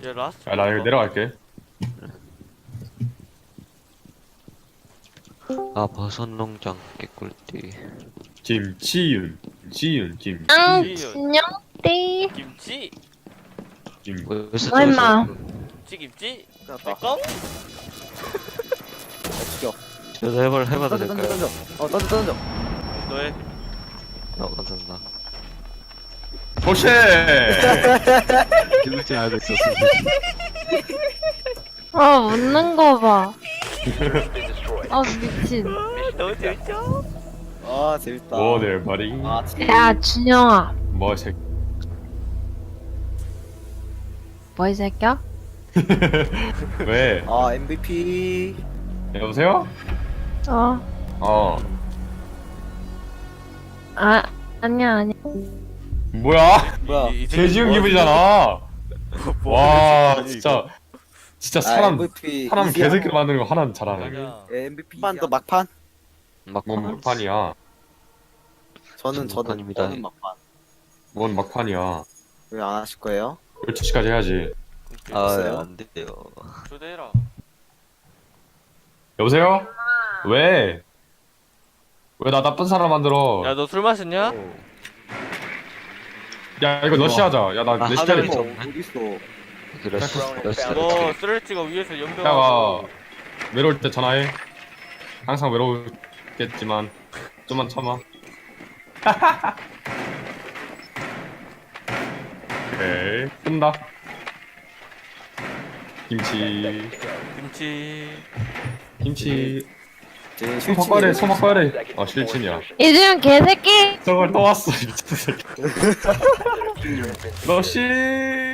얘 라스트. 야, 나 여기 내려갈게. 아 버섯 농장 개꿀띠. 김치윤, 지윤, 김, 진영띠. 김치. 김. 벌써 얼마? 김치. 끝났다. 내꺼? 죽여. 저도 해봐도 던져 될까요? 던져. 너의 감사합니다. 오쉣! 죽을 줄 알고 있었습니다. 아, 웃는 거 봐. 아, 미친. 너무 재밌죠? 아 재밌다. 뭐들 말이? 아 진짜. 야, 준영아. 뭐 새? 뭐, 이 새끼야? 왜? 아 MVP. 여보세요? 어. 어. 아, 아니야. 뭐야? 뭐야? 개지운 기분이잖아. 와, 진짜 사람 MVP. 개새끼 만드는 거 하나는 잘하네. 맞아. MVP만 더 막판. 뭔 막판이야? 저는 막판입니다. 막판. 뭔 막판이야? 왜 안 하실 거예요? 12시까지 해야지. 없어요? 아안 돼요. 초대해라. 여보세요? 왜? 왜 나 나쁜 사람 만들어? 야 너 술 마셨냐? 야, 이거 러시 하자. 야, 나 아, 내 하늘이 시간이 좀- 어딨어? 그랬어. 너 쓰레찌가 위에서 야가 연병하고. 외로울 때 전화해. 항상 외롭겠지만 좀만 참아. 오케이, 끈다. 김치, 김치. 소박거래. 아, 실친이야. 이준영 개새끼! 저걸 또 왔어, 미친 새끼. 러시.